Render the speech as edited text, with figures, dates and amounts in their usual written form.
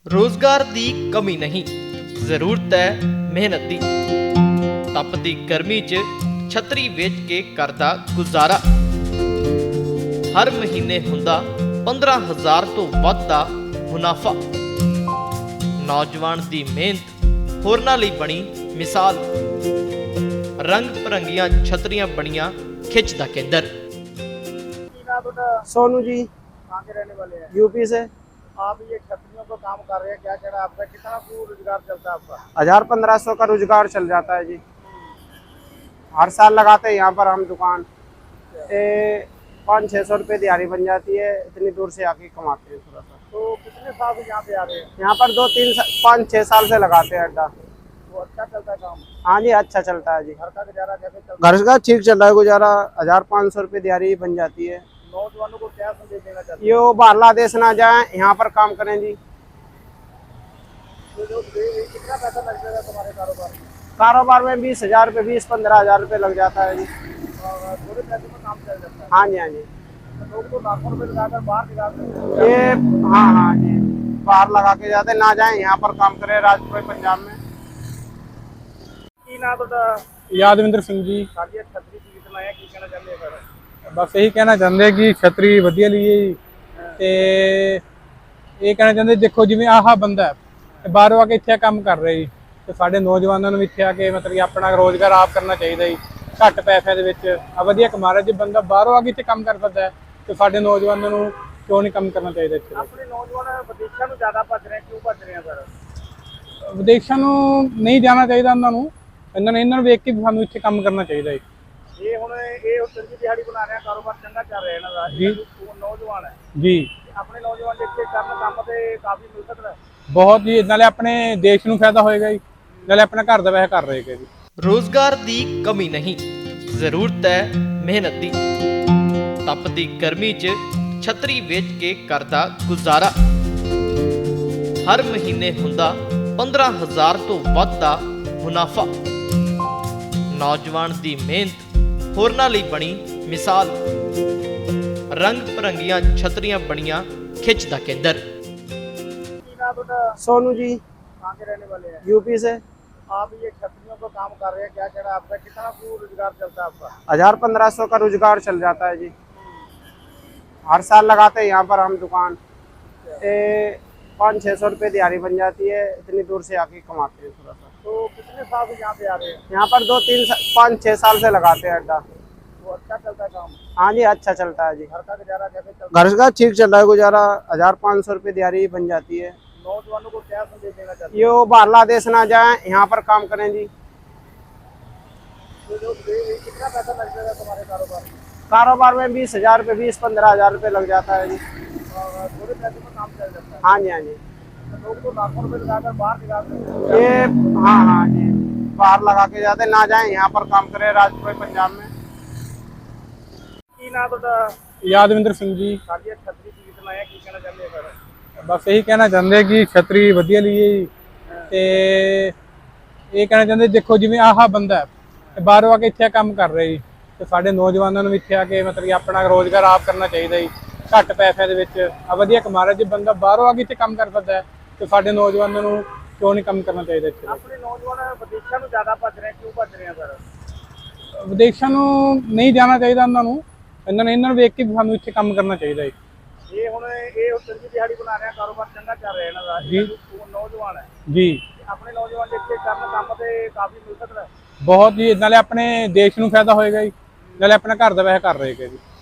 ਰੋਜ਼ਗਾਰ ਦੀ ਕਮੀ ਨਹੀਂ, ਜ਼ਰੂਰਤ ਹੈ ਮਿਹਨਤ ਦੀ। ਤਪਦੀ ਗਰਮੀ 'ਚ ਛਤਰੀ ਵੇਚ ਕੇ ਕਰਦਾ ਗੁਜ਼ਾਰਾ। ਹਰ ਮਹੀਨੇ ਹੁੰਦਾ 15,000 ਤੋਂ ਵੱਧ ਦਾ ਮੁਨਾਫਾ। ਨੌਜਵਾਨ ਦੀ ਮਿਹਨਤ ਹੋਰਨਾਂ ਲਈ ਬਣੀ ਮਿਸਾਲ। ਰੰਗ ਭਰੰਗੀਆਂ ਛਤਰੀਆਂ ਬਣੀਆਂ ਖਿੱਚ ਦਾ ਕੇਂਦਰ। सोनू जी, कहाँ के रहने वाले हैं? यूपी से। आप ये छतरियों का काम कर रहे हैं, क्या कहना है आपका? कितना रोजगार चलता है आपका? 1,000-1,500 का रोजगार चल जाता है जी। हर साल लगाते हैं यहाँ पर हम दुकान। 500-600 रुपये दिहाड़ी बन जाती है। इतनी दूर से आके कमाते हैं थोड़ा सा। तो कितने साल से यहाँ पे आ रहे हैं? यहाँ पर 2-3-5-6 साल से लगाते हैं अड्डा। तो अच्छा चलता है काम? हाँ जी, अच्छा चलता है जी। घर का गुजारा कैसे चलता है? घर का ठीक चल रहा है गुजारा। 1,000-500 रुपये दिहाड़ी बन जाती है। नौजवानों को क्या संदेश देना चाहते हैं? ये बाहरला देश ना जाए, यहाँ पर काम करें जी। कितना पैसा लग जाएगा तुम्हारे कारोबार में? कारोबार में 20,000 रुपये, 20-15,000 रुपये लग जाता है जी। और थोड़े पैसे में काम चल जाता है? हाँ जी, हाँ जी। तो लोग तो लाखों रुपए लगाकर बाहर निकालते हैं। ये हाँ जी, बाहर लगा के जाते, ना जाए यहाँ पर काम करे राजपुर पंजाब में। की ना तो ਯਾਦਵਿੰਦਰ ਸਿੰਘ ਜੀ। सारी छतरी की कितना है, की कहना चाहते हैं सर? ਬਸ ਇਹੀ ਕਹਿਣਾ ਚਾਹੁੰਦੇ ਕਿ ਛਤਰੀ ਵਧੀਆ ਲਈਏ ਜੀ। ਤੇ ਇਹ ਕਹਿਣਾ ਚਾਹੁੰਦੇ ਦੇਖੋ ਜਿਵੇਂ ਆਹ ਬੰਦਾ ਤੇ ਬਾਹਰੋਂ ਆ ਕੇ ਇੱਥੇ ਕੰਮ ਕਰ ਰਿਹਾ ਜੀ, ਤੇ ਸਾਡੇ ਨੌਜਵਾਨਾਂ ਨੂੰ ਵੀ ਇੱਥੇ ਆ ਕੇ ਮਤਲਬ ਕਿ ਆਪਣਾ ਰੋਜ਼ਗਾਰ ਆਪ ਕਰਨਾ ਚਾਹੀਦਾ ਜੀ। ਘੱਟ ਪੈਸਿਆਂ ਦੇ ਵਿੱਚ ਆ ਵਧੀਆ ਕਮਾ ਰਿਹਾ। ਜੇ ਬੰਦਾ ਬਾਹਰੋਂ ਆ ਕੇ ਇੱਥੇ ਕੰਮ ਕਰ ਸਕਦਾ ਹੈ ਤੇ ਸਾਡੇ ਨੌਜਵਾਨਾਂ ਨੂੰ ਕਿਉਂ ਨਹੀਂ ਕੰਮ ਕਰਨਾ ਚਾਹੀਦਾ ਇੱਥੇ? अपने नौजवान विदेशों में ज्यादा भज रहे हैं, क्यों भज रहे हैं सर? ਵਿਦੇਸ਼ਾਂ ਨੂੰ ਨਹੀਂ ਜਾਣਾ ਚਾਹੀਦਾ ਇਹਨਾਂ ਨੂੰ ਵੇਖ ਕੇ ਵੀ ਸਾਨੂੰ ਇੱਥੇ ਕੰਮ ਕਰਨਾ ਚਾਹੀਦਾ ਹੈ ये हुण ये चंगी दिहाड़ी बना रहे हैं, कारोबार चंगा चल रहा है ना जी। नौजवान है ਜੀ। अपने नौजवान जिसके करन काम ते काफी मिल सकता है। ਬਹੁਤ ਜੀ, ਨਾਲੇ ਆਪਣੇ ਦੇਸ਼ ਨੂੰ ਫਾਇਦਾ ਹੋਏਗਾ ਜੀ, ਨਾਲੇ ਆਪਣਾ ਘਰ ਦਾ ਵੈਸੇ ਕਰ ਰਹੇਗਾ ਜੀ। ਰੋਜ਼ਗਾਰ ਦੀ ਕਮੀ ਨਹੀਂ, ਜ਼ਰੂਰਤ ਹੈ ਮਿਹਨਤ ਦੀ। ਤਪਦੀ ਗਰਮੀ 'ਚ ਛਤਰੀ ਵੇਚ ਕੇ ਕਰਦਾ ਗੁਜ਼ਾਰਾ। ਹਰ ਮਹੀਨੇ ਹੁੰਦਾ 15,000 ਤੋਂ ਵੱਧ ਦਾ ਮੁਨਾਫਾ। ਨੌਜਵਾਨ ਦੀ ਮਿਹਨਤ ਹੋਰਨਾਂ ਲਈ ਬਣੀ ਮਿਸਾਲ। ਰੰਗ ਭਰੰਗੀਆਂ ਛਤਰੀਆਂ ਬਣੀਆਂ ਖਿੱਚ ਦਾ ਕੇਂਦਰ। की ना तो सोनू जी, कहाँ के रहने वाले हैं? यूपी से। आप ये छतरियों का काम कर रहे हैं, क्या कहना है आपका? कितना रोजगार चलता है आपका? 1,000-1,500 का रोजगार चल जाता है जी। हर साल लगाते हैं यहाँ पर हम दुकान। 500-600 रुपये दिहाड़ी बन जाती है। इतनी दूर से आके कमाते हैं थोड़ा सा। तो कितने साल से यहाँ पे आ रहे हैं? यहाँ पर 2-3-5-6 साल से लगाते हैं अड्डा। तो अच्छा चलता है काम? हाँ जी, अच्छा चलता है जी। घर का गुजारा कैसे चलता घर का ठीक चल रहा है गुजारा। 1,000-500 रुपये दिहाड़ी बन जाती है। है? नौजवानों को क्या संदेश देना चाहते हैं? ये बाहरला देश ना जाए, यहाँ पर काम करें जी। कितना पैसा लग जाएगा तुम्हारे कारोबार में? कारोबार में 20,000 रुपये, 20-15,000 रुपये लग जाता है जी। और थोड़े पैसे में काम चल जाता है? हाँ जी, हाँ जी। तो लोग तो लाखों रुपए लगाकर बाहर निकालते हैं। ये हाँ जी, बाहर लगा के जाते, ना जाए यहाँ पर काम करे राजपुर पंजाब में। की ना तो ਯਾਦਵਿੰਦਰ ਸਿੰਘ ਜੀ। सारी छतरी की कितना है, की कहना चाहते हैं सर? ਬਸ ਇਹੀ ਕਹਿਣਾ ਚਾਹੁੰਦੇ ਕਿ ਛਤਰੀ ਵਧੀਆ ਲਈਏ ਜੀ। ਤੇ ਇਹ ਕਹਿਣਾ ਚਾਹੁੰਦੇ ਦੇਖੋ ਜਿਵੇਂ ਆਹ ਬੰਦਾ ਤੇ ਬਾਹਰੋਂ ਆ ਕੇ ਇੱਥੇ ਕੰਮ ਕਰ ਰਿਹਾ ਜੀ, ਤੇ ਸਾਡੇ ਨੌਜਵਾਨਾਂ ਨੂੰ ਵੀ ਇੱਥੇ ਆ ਕੇ ਮਤਲਬ ਕਿ ਆਪਣਾ ਰੋਜ਼ਗਾਰ ਆਪ ਕਰਨਾ ਚਾਹੀਦਾ ਜੀ। ਘੱਟ ਪੈਸਿਆਂ ਦੇ ਵਿੱਚ ਆ ਵਧੀਆ ਕਮਾ ਰਿਹਾ। ਜੇ ਬੰਦਾ ਬਾਹਰੋਂ ਆ ਕੇ ਇੱਥੇ ਕੰਮ ਕਰ ਸਕਦਾ ਹੈ ਤੇ ਸਾਡੇ ਨੌਜਵਾਨਾਂ ਨੂੰ ਕਿਉਂ ਨਹੀਂ ਕੰਮ ਕਰਨਾ ਚਾਹੀਦਾ ਇੱਥੇ? अपने नौजवान विदेशों में ज्यादा भज रहे हैं, क्यों भज रहे हैं सर? ਵਿਦੇਸ਼ਾਂ ਨੂੰ ਨਹੀਂ ਜਾਣਾ ਚਾਹੀਦਾ ਇਹਨਾਂ ਨੂੰ ਵੇਖ ਕੇ ਵੀ ਸਾਨੂੰ ਇੱਥੇ ਕੰਮ ਕਰਨਾ ਚਾਹੀਦਾ ਹੈ ये हुण ये चंगी दिहाड़ी बना रहे हैं, कारोबार चंगा चल रहा है ना जी। नौजवान है ਜੀ। अपने नौजवान जिसके करन काम ते काफी मिल सकता है। ਬਹੁਤ ਜੀ, ਨਾਲੇ ਆਪਣੇ ਦੇਸ਼ ਨੂੰ ਫਾਇਦਾ ਹੋਏਗਾ ਜੀ, ਨਾਲੇ ਆਪਣਾ ਘਰ ਦਾ ਵੈਸੇ ਕਰ ਰਹੇਗਾ ਜੀ।